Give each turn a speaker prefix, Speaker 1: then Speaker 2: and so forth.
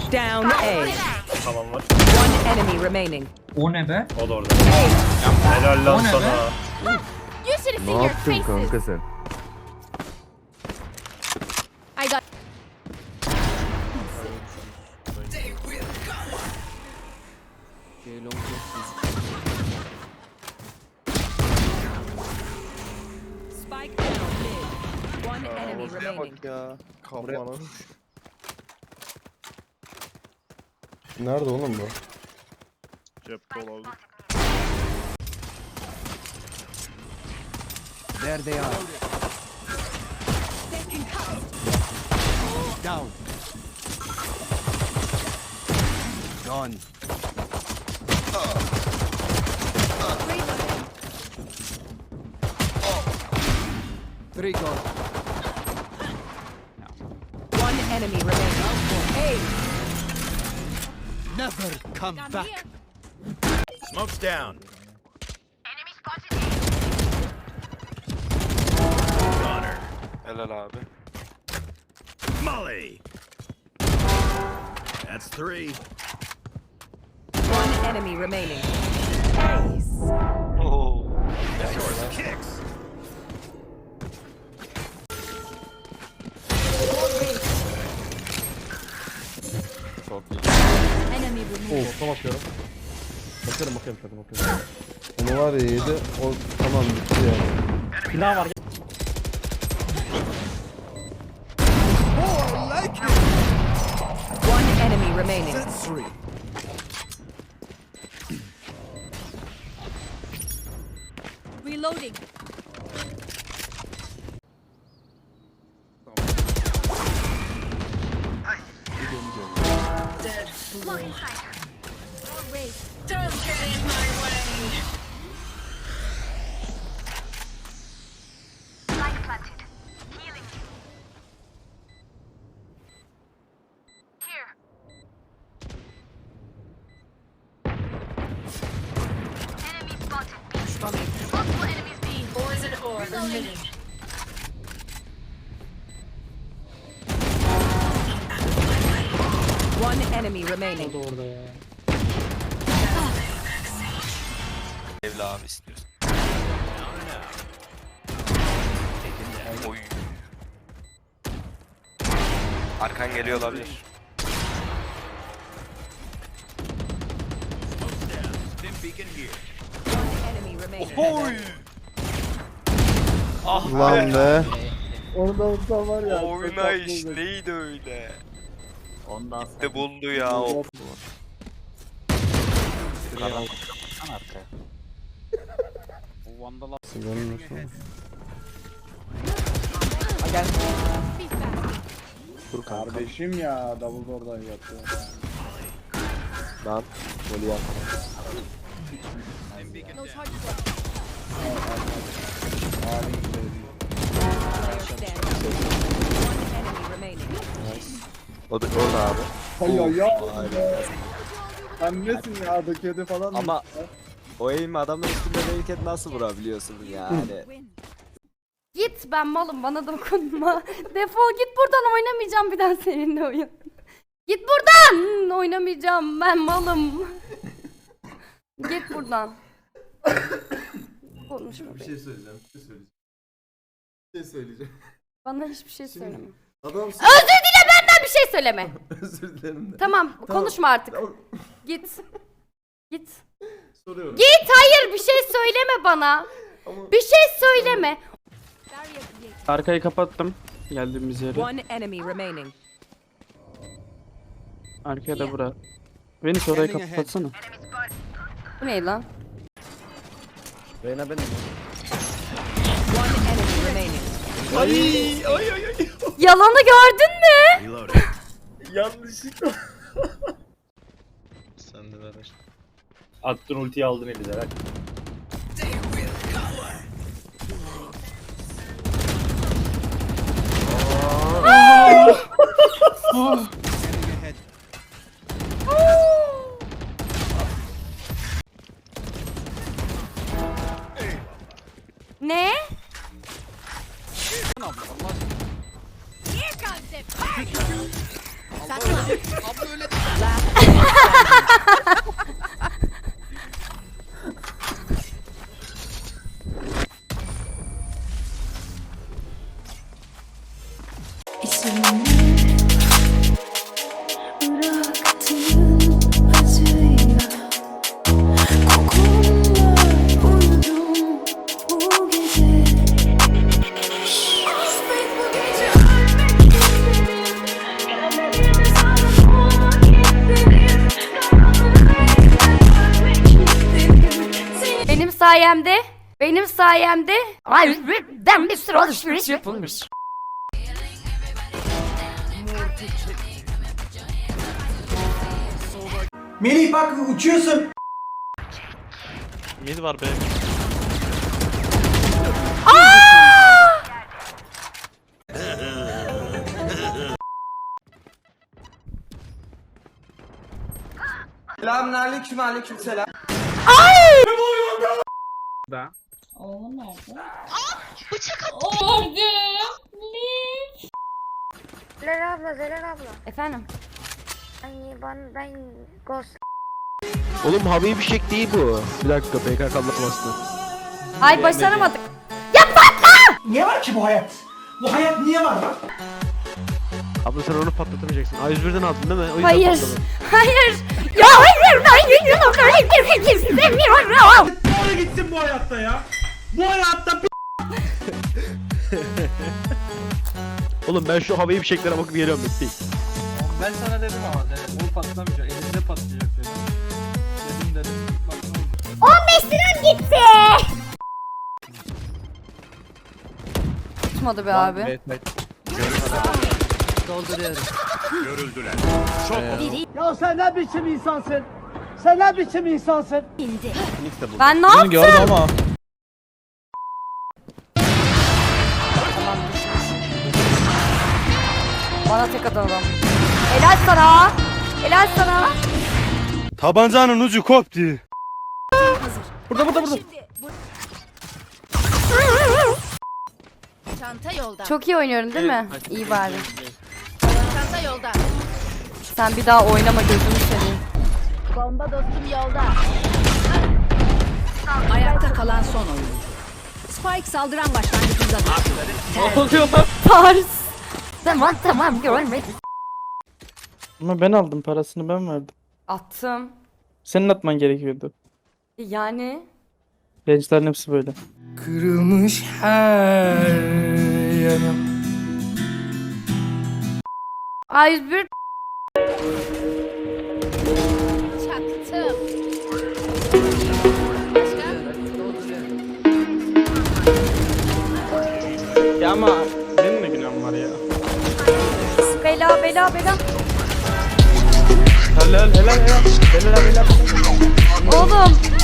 Speaker 1: down A.
Speaker 2: Tamam var.
Speaker 1: One enemy remaining.
Speaker 3: O ne be?
Speaker 2: O da orada. Helal lan
Speaker 3: O ne
Speaker 2: sana.
Speaker 4: You should have
Speaker 5: Ne
Speaker 4: seen your
Speaker 5: yaptın
Speaker 4: faces.
Speaker 5: kanka sen?
Speaker 4: I got
Speaker 1: Spike down mid. One enemy remaining.
Speaker 6: Ya.
Speaker 5: Kafana.
Speaker 6: Nerede oğlum bu?
Speaker 2: Cepte olabilir.
Speaker 7: There they are. Down. Gone. Three gone.
Speaker 1: One enemy remaining. A.
Speaker 7: Never come back.
Speaker 8: Smoke's down. Connor.
Speaker 6: Helal abi.
Speaker 8: Molly. That's three.
Speaker 1: One enemy remaining. Ace.
Speaker 6: Oo.
Speaker 8: Source kicks.
Speaker 4: enemy removed.
Speaker 5: Olsa bakıyorum. Bakıyorum bakıyorum.
Speaker 6: Onu var ya yedi. O tamam bitti yani.
Speaker 2: Pilav var.
Speaker 1: One enemy remaining.
Speaker 7: That's three.
Speaker 4: Reloading. Blocking fire. Don't get in my way.
Speaker 9: Light planted. Healing. Here. Enemy spotted. Multiple enemies B. Poison ore emitting.
Speaker 1: One enemy remaining.
Speaker 6: Evli abi istiyorsun. Oy. Arkan geliyor olabilir.
Speaker 8: Stim beacon here.
Speaker 1: One enemy remaining.
Speaker 6: Oy. Ah Lan be.
Speaker 5: Onu da unutsan var ya.
Speaker 6: Oynayış neydi öyle?
Speaker 2: Ondan
Speaker 6: De buldu ya o.
Speaker 4: Be fast.
Speaker 5: Kardeşim ya double oradan yaptı.
Speaker 6: Lan golü yap.
Speaker 4: No charges.
Speaker 1: Player standing. One enemy remaining.
Speaker 6: O da orada abi.
Speaker 5: Ay ya. Sen nesin ya kedi falan
Speaker 10: Ama o eğimi adamın üstünde değilken nasıl vurabiliyorsun yani?
Speaker 4: Git, ben malım, bana dokunma. Defol git buradan, oynamayacağım bir daha seninle oyun. Git buradan, oynamayacağım, ben malım. Git buradan. Konuşma.
Speaker 5: Bir şey söyleyeceğim. Bir şey söyleyeceğim.
Speaker 4: Bana hiçbir şey söyleme.
Speaker 5: Adam
Speaker 4: Özür dile, benden bir şey söyleme.
Speaker 5: özür dilerim de.
Speaker 4: Tamam, konuşma artık.
Speaker 5: Tamam.
Speaker 4: Git. Git.
Speaker 5: Soruyorum.
Speaker 4: Git, hayır, bir şey söyleme bana.
Speaker 5: Ama-
Speaker 4: Bir şey söyleme.
Speaker 11: Arkayı kapattım. Geldiğimiz yere.
Speaker 1: One enemy remaining.
Speaker 11: Arkaya da bura. Beni orayı kapatsana.
Speaker 4: Bu ne lan?
Speaker 5: Reyna benim.
Speaker 1: One enemy remaining.
Speaker 4: Yalanı gördün mü?
Speaker 8: Reloading.
Speaker 5: Yanlışlıkla.
Speaker 6: Sen de ver.
Speaker 2: Attın ultiyi aldın eline. Bak.
Speaker 7: Scanning ahead.
Speaker 4: Ne?
Speaker 7: Here comes it.
Speaker 4: Benim sayemde ben bir sürü alışveriş yapılmış.
Speaker 7: Melih bak uçuyorsun.
Speaker 11: Mid var be.
Speaker 7: Selamünaleyküm, aleykümselam.
Speaker 11: Da.
Speaker 9: Zelal abla.
Speaker 4: Efendim.
Speaker 9: Ben Ghost.
Speaker 10: Oğlum Habib bir şey değil bu. Bir dakika PKK'la bastı.
Speaker 4: Ay başaramadık.
Speaker 7: Niye var ki bu hayat? Bu hayat niye var lan?
Speaker 10: Abla sen onu patlatamayacaksın. A101'den aldın değil mi? O yüzden
Speaker 4: Hayır.
Speaker 10: patladı.
Speaker 4: Hayır. Ya hayır. Ben istemiyorum.
Speaker 7: Doğru gitsin bu hayatta ya. Bu hayatta
Speaker 10: Oğlum ben şu havayı fişeklere bakıp geliyorum bekleyin.
Speaker 5: Ben sana dedim ama bu patlamayacak. Elinde patlayacak dedim. Dedim. Bak ne oldu?
Speaker 4: 15 liram gitti. Tutmadı be abi.
Speaker 8: Görüldüler.
Speaker 5: Ya sen ne biçim insansın? Sen ne biçim insansın?
Speaker 4: Ben ne yaptım?
Speaker 6: Gördüm ama.
Speaker 4: Bana tek atan adam. Helal sana. Helal sana.
Speaker 10: Tabancanın ucu koptu.
Speaker 6: Burada.
Speaker 9: Çanta yolda.
Speaker 4: Çok iyi oynuyorum değil mi? İyi bari.
Speaker 9: Çanta yolda.
Speaker 4: Sen bir daha oynama gözünü seveyim.
Speaker 9: Bomba dostum yolda.
Speaker 1: Ayakta kalan son oyuncu. Spike saldıran başlangıcında düştü.
Speaker 11: Ne oluyor lan?
Speaker 4: Pars. Tamam görmedim.
Speaker 11: Ama ben aldım parasını ben verdim.
Speaker 4: Attım.
Speaker 11: Senin atman gerekiyordu.
Speaker 4: Yani.
Speaker 11: Gençlerin hepsi böyle.
Speaker 7: Kırılmış her yanım.
Speaker 4: A101
Speaker 9: Çaktım.
Speaker 11: Ya ama benim de günahım var ya.
Speaker 4: bela.
Speaker 11: Helal.
Speaker 4: Oğlum